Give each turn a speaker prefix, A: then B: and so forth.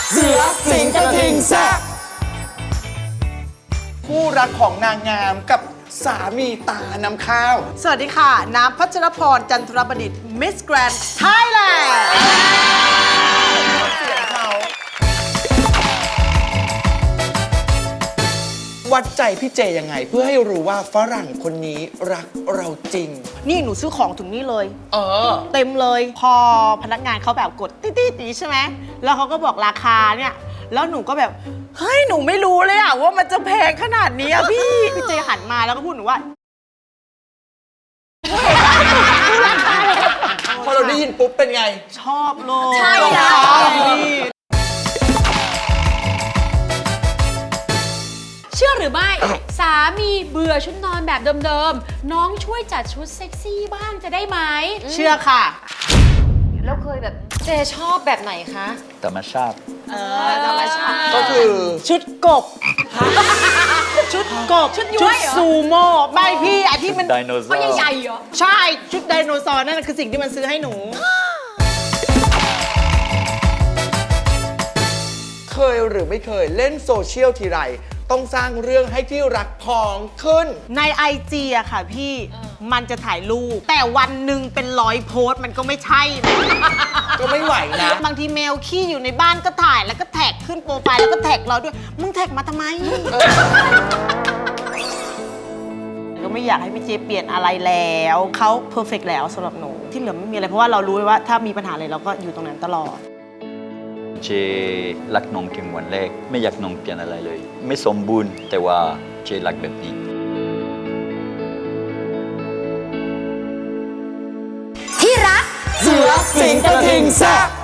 A: เสือสิงกระทิงแซะคู่รักของนางงามกับสามีตาน้ำข้าว
B: สวัสดีค่ะ น้ำพัชรพรจันทรประดิษฐ์มิสแกรนด์ไทยแลนด์
A: เสียงเขาวัดใจพี่เจยังไง เพื่อให้รู้ว่าฝรั่งคนนี้รักเราจริง
B: นี่หนูซื้อของถึงนี่เลย เต็มเลย พอพนักงานเขาแบบกดติ๊ดๆใช่ไหม แล้วเขาก็บอกราคาเนี่ย แล้วหนูก็แบบ เฮ้ย หนูไม่รู้เลยอะว่ามันจะแพงขนาดนี้อะพี่ พี่เจหันมาแล้วก็พูดหนูว่า
A: พอเราได้ยินปุ๊บเป็นไง
B: ชอบเลย
C: ใช่แล้ว
B: พี่
C: เชื่อหรือไม่ สามีเบื่อชุดนอนแบบเดิมๆ น้องช่วยจัดชุดเซ็กซี่บ้างจะได้ไหม
B: เชื่อค่ะ
C: แล้วเคยแบบเจชอบแบบไหนคะ
D: ธรรมชาติ
C: ธรรมชาติ
A: ก็คือ
B: ชุดกบ ชุดกบ
C: ชุดย้วยเหรอ
B: ซูโม่ไม่พี่ไอที่มัน
D: ไดโนเสา
C: เขา
D: ร์
C: ใหญ่ๆเหรอ
B: ใช่ ชุดไดโนเสาร์นั่นคือสิ่งที่มันซื้อให้หนู
A: เคยหรือไม่เคยเล่นโซเชียลทีไร ต้องสร้างเรื่องให้ที่รักพองขึ้น
B: ใน IG อะค่ะพี่ มันจะถ่ายรูป แต่วันหนึ่งเป็น100 โพสต์มันก็ไม่ใช่นะ
A: ก็ไม่ไหวนะ
B: บางทีเมลขี้อยู่ในบ้านก็ถ่ายแล้วก็แท็กขึ้นโปรไฟล์แล้วก็แท็กเราด้วย มึงแท็กมาทำไม ก็ไม่อยากให้พี่เจเปลี่ยนอะไรแล้วเขาเพอร์เฟกแล้วสำหรับหนูที่เหลือไม่มีอะไรเพราะว่าเรารู้ว่าถ้ามีปัญหาอะไรเราก็อยู่ตรงนั้นตลอด
D: เจรักน้องถึงวันแรก ไม่อยากน้องเปลี่ยนอะไรเลย ไม่สมบูรณ์แต่ว่าเจรักแบบนี้
A: เสือสิงกระทิงแซะ